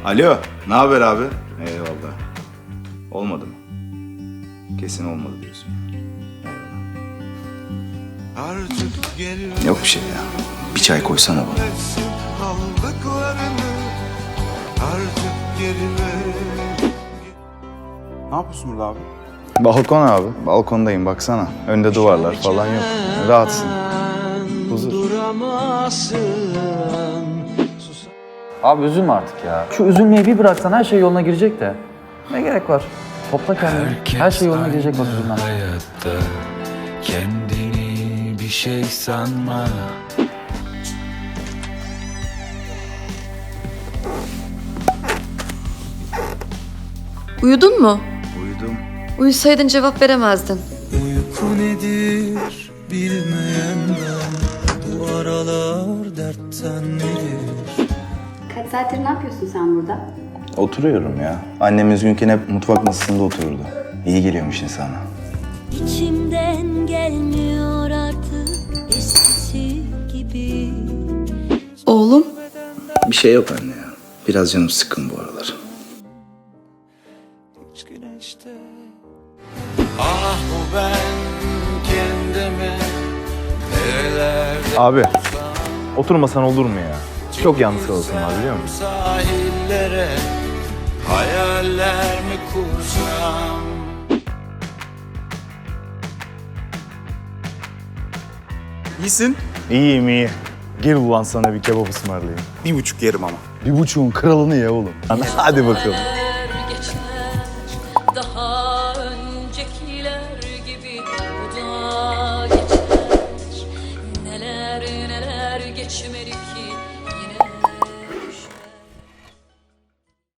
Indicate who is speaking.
Speaker 1: Alo, ne haber abi? Eyvallah. Olmadı mı? Kesin olmadı diyorsun. Eyvallah. Yok bir şey ya. Bir çay koysana bana.
Speaker 2: Ne yapıyorsun burada abi?
Speaker 1: Balkon abi. Balkondayım baksana. Önde duvarlar falan yok. Rahatsın. Huzur.
Speaker 3: Abi üzülme artık ya. Şu üzülmeyi bir bıraksan her şey yoluna girecek de. Ne gerek var? Topla kendini. Her şey yoluna girecek bak üzülmem.
Speaker 4: Hayatta kendini bir şey sanma.
Speaker 5: Uyudun mu?
Speaker 1: Uyudum.
Speaker 5: Uyusaydın cevap veremezdin.
Speaker 4: Uyku nedir bilmeyen ben, bu aralar dertten nedir?
Speaker 6: Kaç saattir ne yapıyorsun sen burada?
Speaker 1: Oturuyorum ya. Annem üzgünken hep mutfak masasında otururdu. İyi geliyormuş insana.
Speaker 7: İçimden gelmiyor artık eskisi gibi.
Speaker 5: Oğlum,
Speaker 1: Bir şey yok anne ya. Biraz canım sıkkın bu aralar.
Speaker 4: Hiç güneşte. Ah bu ben kendimi nerelerde
Speaker 2: Abi, oturmasan olur mu ya? Çok yalnız kalırsın var biliyor musun?
Speaker 4: sahillere hayaller mi kursam?
Speaker 2: İyisin. İyiyim iyi. Gel ulan sana bir kebap ısmarlayayım.
Speaker 1: 1,5 yerim ama.
Speaker 2: 1,5'un kralını ye oğlum. Hadi bakalım.
Speaker 7: Geçmez daha öncekiler gibi bu da geçer. Neler neler geçmedik